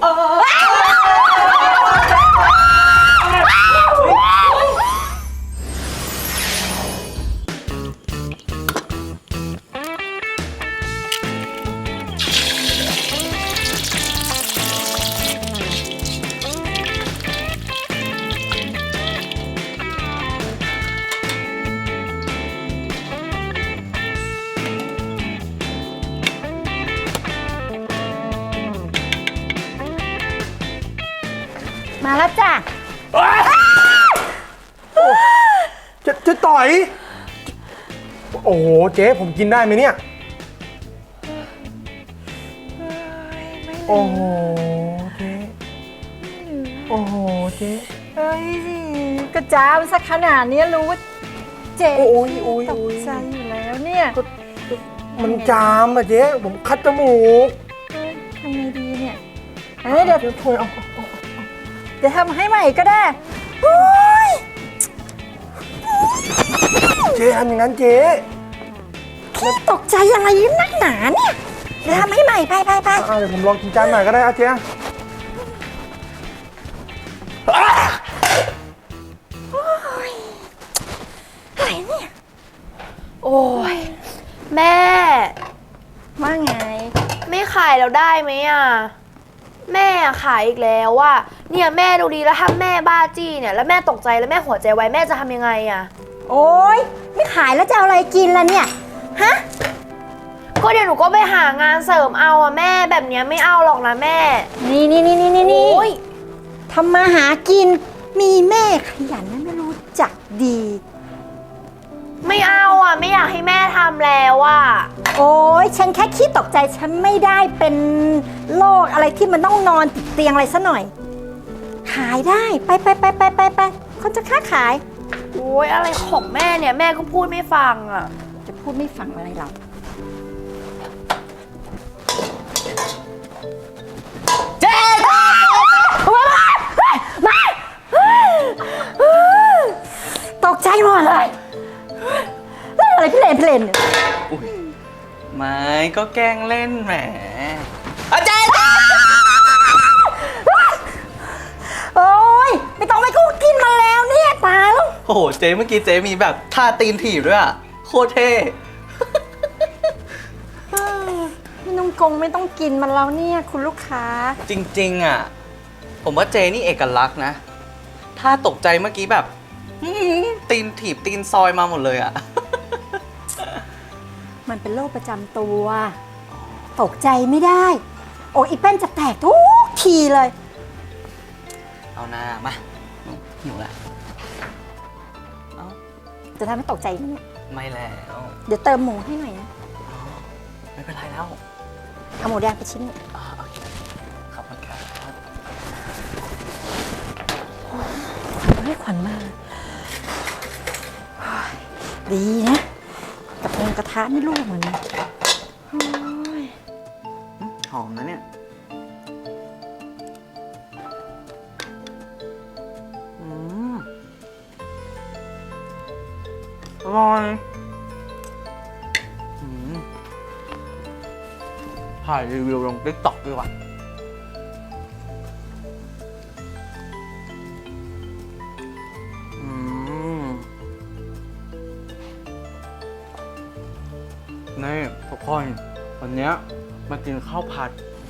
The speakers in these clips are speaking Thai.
มาแล้วจ้ะจะต่อย โอ้โหเจ๊ผมกินได้ไหมเนี่ย โอ้โหเจ๊โอ้โหเจ๊เฮ้ยกระจ้ามสักขนาดนี้รู้ว่าเจ๊ตกใจอยู่แล้วเนี่ยมันจามอะเจ๊ผมคัดจมูกทำไงดีเนี่ยเดี๋ยวถอยเดี๋ยวทำให้ใหม่ก็ได้เจ๊ทำอย่างนั้นเจ๊พี่ตกใจอะไรนักหนาเนี่ยเดี๋ยวทำให้ใหม่ไปเดี๋ยวผมลองกินจานหน่อยก็ได้เจ๊อะไรเนี่ยโอ้ยแม่ว่าไงไม่ขายแล้วได้ไหมอ่ะแม่ขายอีกแล้วอ่ะเนี่ยแม่ดูดีแล้วถ้าแม่บ้าจี้เนี่ยแล้วแม่ตกใจแล้วแม่หัวใจไวแม่จะทำยังไงอ่ะโอ๊ยไม่ขายแล้วจะเอาอะไรกินล่ะเนี่ยฮะก็เดี๋ยวหนูก็ไปหางานเสริมเอาอ่ะแม่แบบเนี้ยไม่เอาหรอกนะแม่นี่ทำมาหากินมีแม่ขยันนะไม่รู้จักดีไม่เอาอ่ะไม่อยากให้แม่ทำแล้วอ่ะโอ๊ยฉันแค่คิดตกใจฉันไม่ได้เป็นโรคอะไรที่มันต้องนอนติดเตียงอะไรซะหน่อยขายได้ไปคนจะค้าขายโอ๊ยอะไรของแม่เนี่ยแม่ก็พูดไม่ฟังอ่ะจะพูดไม่ฟังอะไรเราเจ๊มาตกใจหมดเลยเล่นอะไรพี่เลนเนี่ยไม่ก็แกล้งเล่นแหมอาจารย์โอ้ยไม่ต้องไปกูกินมาแล้วเนี่ยตายแล้วโอ้โหเจ๊เมื่อกี้เจ๊มีแบบท่าตีนถีบด้วยอ่ะโคตรเท่ไม่ต้องกินมันแล้วเนี่ยคุณลูกค้าจริงๆอ่ะผมว่าเจ๊นี่เอกลักษณ์นะถ้าตกใจเมื่อกี้แบบตีนถีบตีนซอยมาหมดเลยอ่ะมันเป็นโรคประจำตัวตกใจไม่ได้โอ้อีแป้นจะแตกทุกทีเลยเอาหน้ามาหิวละจะทำให้ตกใจไหมเนี่ยไม่แล้วเดี๋ยวเติมหมูให้หน่อยนะไม่เป็นไรแล้วเอาหมูแดงไปชิ้นนึงโอเคขอบคุณครับให้ขวัญมาดีนะกับกระทะนี่ลูกเหมือนหอมนะเนี่ยอร่อยถ่ายรีวิวลง TikTok ดีกว่านี่ทุกคนวันนี้มากินข้าวผัด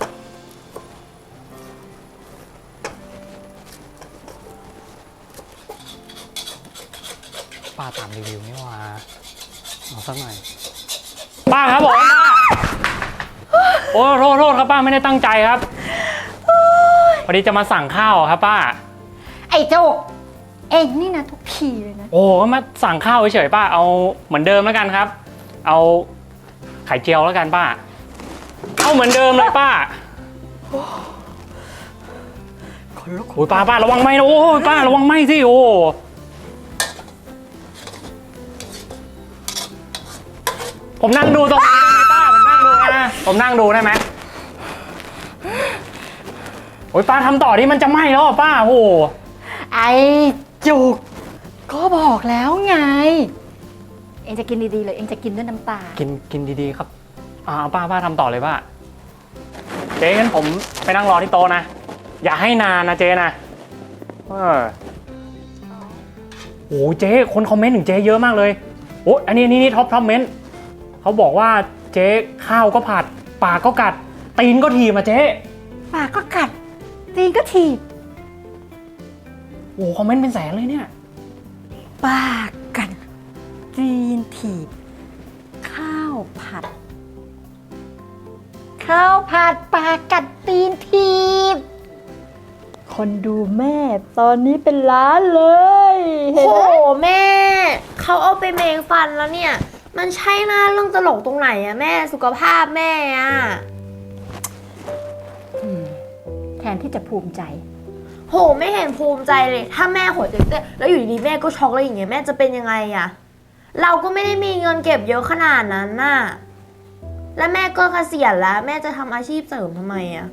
ป้าตามรีวิวนี่ว่าเอาสักหน่อยป้าครับผมป้าโอ้โทษครับป้าไม่ได้ตั้งใจครับพอดีจะมาสั่งข้าวครับป้าไอ้โจ๊กเองนี่นะทุกทีเลยนะโอ้ก็มาสั่งข้าวเฉยๆป้าเอาเหมือนเดิมแล้วกันครับเอาไข่เจียวแล้วกันป้าเอาเหมือนเดิมเลยป้าคนลุกโอ้ยป้าระวังไหมนะโอ้ยป้าระวังไหมสิโอ้ผมนั่งดูตรงนี้ได้ไหมป้าผมนั่งดูได้ไหมโอ้ยป้าทำต่อที่มันจะไหม้แล้วป้าโอ้ไอ้จุกก็บอกแล้วไงเองจะกินดีๆเลยเองจะกินด้วยน้ำตากินดีๆครับป้าทำต่อเลยป้าเจ๊งั้นผมไปนั่งรอที่โต๊ะนะอย่าให้นานนะเจ๊นะโอ้เจ๊คนคอมเมนต์ถึงเจ๊เยอะมากเลยโอ้อันนี้ท็อปเมนต์เขาบอกว่าเจ๊ข้าวก็ผัดปากก็กัดตีนก็ถีบมาเจ๊ปากก็กัดตีนก็ถีบโอ้คอมเมนต์เป็นแสนเลยเนี่ยปากกัดตีนถีบข้าวผัดปากกัดตีนถีบคนดูแม่ตอนนี้เป็นล้านเลยเห็นโหไหมแม่ เขาเอาไปเมงฟันแล้วเนี่ย มันใช่หน้าเรื่องตลกตรงไหนอะแม่สุขภาพแม่อะแทนที่จะภูมิใจโหไม่เห็นภูมิใจเลย ถ้าแม่หัวใจเต้นแล้วอยู่ดีๆแม่ก็ช็อกแล้วอย่างเงี้ยแม่จะเป็นยังไงอะเราก็ไม่ได้มีเงินเก็บเยอะขนาดนั้นน่ะและแม่ก็เกษียณแล้ว แม่จะทำอาชีพเสริมทำไมอะ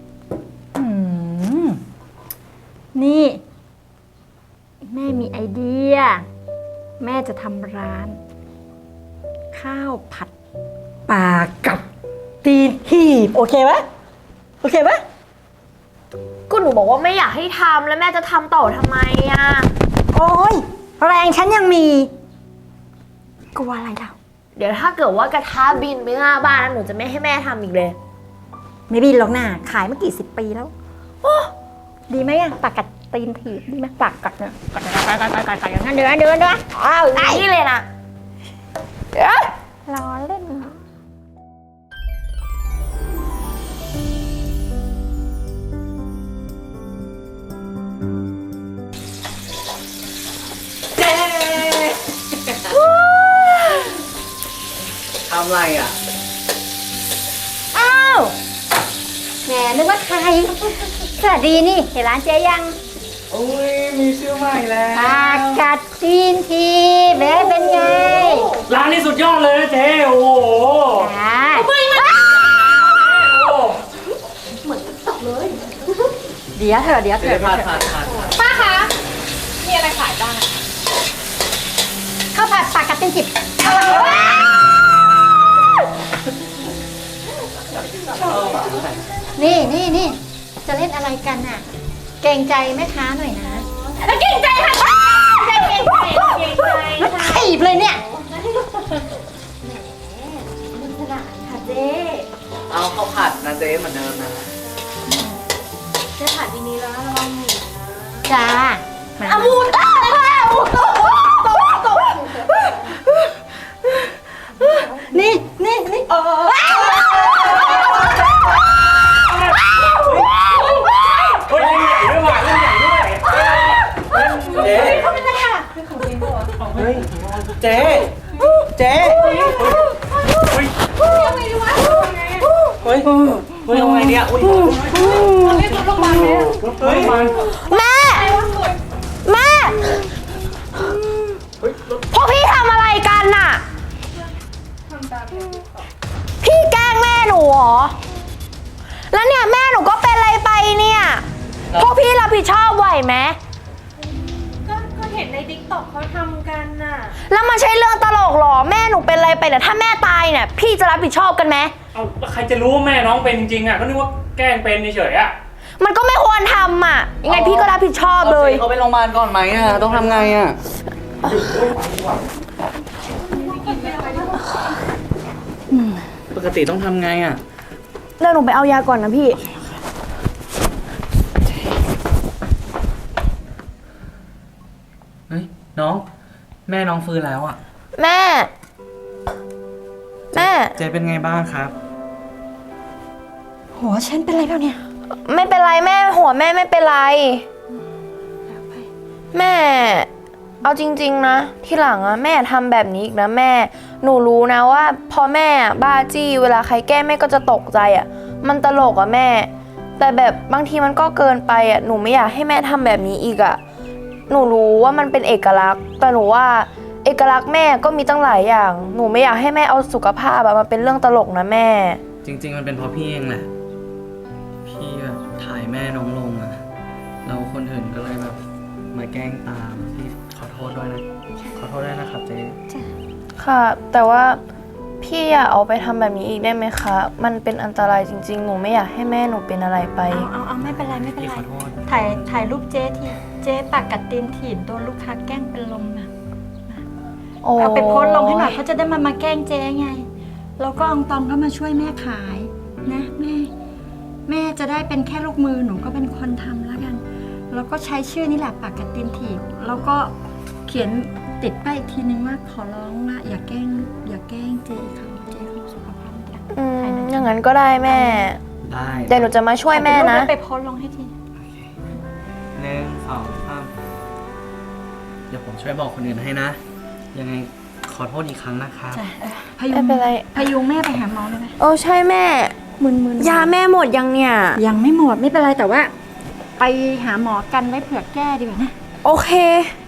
นี่ แม่มีไอเดีย แม่จะทำร้าน ข้าวผัดปลากับตีนหีบโอเคไหมโอเคไหมก็หนูบอกว่าไม่อยากให้ทำแล้วแม่จะทำต่อทำไมอะโอ้ยแรงฉันยังมีกลัวอะไรเราเดี๋ยวถ้าเกิดว่ากระทะบินไปหน้าบ้านนะหนูจะไม่ให้แม่ทำอีกเลยไม่บินหรอกนะขายมากี่สิบปีแล้วโอ้ดีไหมอะปากกัดตีนถีบดีไหมปากกัดเนี่ยกัดอย่างนั้นเดือนอ้าวนี่เลยนะเอ้ยล้อเล่นทำไรอ่ะอ้าวแหมนึกว่าใครสวัสดีนี่เห็นร้านเจ๊ยังโอ้ยมีชื่อใหม่แล้วปากกัดตีนทีเบ๊เป็นไงร้านนี้สุดยอดเลยนะเจ๊โอ้โหอ่า เดี๋ยวเถอะเดี๋ยวผัดป้าคะ มีอะไรขายบ้างข้าวผัดปากกัดตีนถีบนี่จะเล่นอะไรกันน่ะ เกรงใจแม่ค้าหน่อยนะแล้วเก่งใจค่ะเก่งใจแล้วค่ะถีบเลยเนี่ยค่ะเจ๊เอาข้าวผัดนะเจ๊เหมือนเดิมนะเจ๊ผัดทีนี้แล้วระวังหมูจ้าอามูตานี่เฮ้ยเล่นใหญ่ด้วยว่ะเล่นใหญ่ด้วยเจ๊เฮ้ยเจ๊เจ๊เฮ้ยเฮ้ยทำไงเนี่ยอุ้ยเฮ้ยแม่พวกพี่ทำอะไรกันน่ะพี่แกล้งแม่หนูเหรอแล้วเนี่ยแม่หนูก็เป็นอะไรไปเนี่ยพวกพี่รับผิดชอบไหวไหมก็เห็นในติ๊กต็อกเขาทำกันน่ะแล้วมันใช่เรื่องตลกเหรอแม่หนูเป็นอะไรไปเนี่ยถ้าแม่ตายเนี่ยพี่จะรับผิดชอบกันไหมเอาแล้วใครจะรู้ว่าแม่น้องเป็นจริงๆอ่ะก็นึกว่าแกล้งเป็นเฉยๆอ่ะมันก็ไม่ควรทำอ่ะยังไงพี่ก็รับผิดชอบเลยเขาไปโรงพยาบาลก่อนไหมอ่ะต้องทำไงอ่ะปกติต้องทำไงอ่ะเดี๋ยวหนูไปเอายาก่อนนะพี่เฮ้ยน้องแม่น้องฟื้นแล้วอ่ะแม่เจ๊เป็นไงบ้างครับหัวฉันเป็นไรแล้วเนี่ยไม่เป็นไรแม่หัวแม่ไม่เป็นไรแม่เอาจริงๆนะที่หลังอะแม่ทำแบบนี้อีกนะแม่หนูรู้นะว่าพอแม่บ้าจี้เวลาใครแกล้งแม่ก็จะตกใจอะมันตลกอะแม่ แต่แบบบางทีมันก็เกินไปอะหนูไม่อยากให้แม่ทำแบบนี้อีกอะหนูรู้ว่ามันเป็นเอกลักษณ์แต่หนูว่าเอกลักษณ์แม่ก็มีตั้งหลายอย่างหนูไม่อยากให้แม่เอาสุขภาพอะมาเป็นเรื่องตลกนะแม่จริงๆมันเป็นเพราะพี่เองแหละพี่แบบถ่ายแม่น้องลงอะแล้วคนอื่นก็เลยแบบมาแกล้งตามพี่ขอโทษด้วยนะขอโทษด้วยนะครับเจ๊ค่ะแต่ว่าพี่อย่าเอาไปทำแบบนี้อีกได้ไหมคะ มันเป็นอันตรายจริงๆ หนูไม่อยากให้แม่หนูเป็นอะไรไปเอาไม่เป็นไรไม่เป็นพี่ไรขอโทษถ่ายรูปเจ๊ทีเจ๊ปากกัดตีนถีบโดนลูกค้าแกล้งเป็นลมนะโอ้เอาไปโพสต์ลงให้หน่อยเขาจะได้มาแกล้งเจ๊ไง แล้วก็อองตองก็มาช่วยแม่ขายนะแม่จะได้เป็นแค่ลูกมือหนูก็เป็นคนทำแล้วกัน แล้วก็ใช้ชื่อนี่แหละปากกัดตีนถีบแล้วก็เขียนติดป้ายอีกทีนึงว่าขอร้องนะอย่าแกล้งเจ๊เขาสุขภาพไม่ดีอย่างนั้นก็ได้แม่ได้เดี๋ยวหนูจะมาช่วยแม่นะไปโพสต์ลงให้ที 1 2 3เดี๋ยวผมช่วยบอกคนอื่นให้นะ ยังไงขอโทษอีกครั้งนะครับจ้ะพไม่เป็นไรยุงแม่ไปหาหมอเลยไหมโอ้ใช่แม่มึนยาแม่หมดยังเนี่ยยังไม่หมดไม่เป็นไรแต่ว่า ไปหาหมอกันไว้เผื่อแก้ดีกว่านะโอเค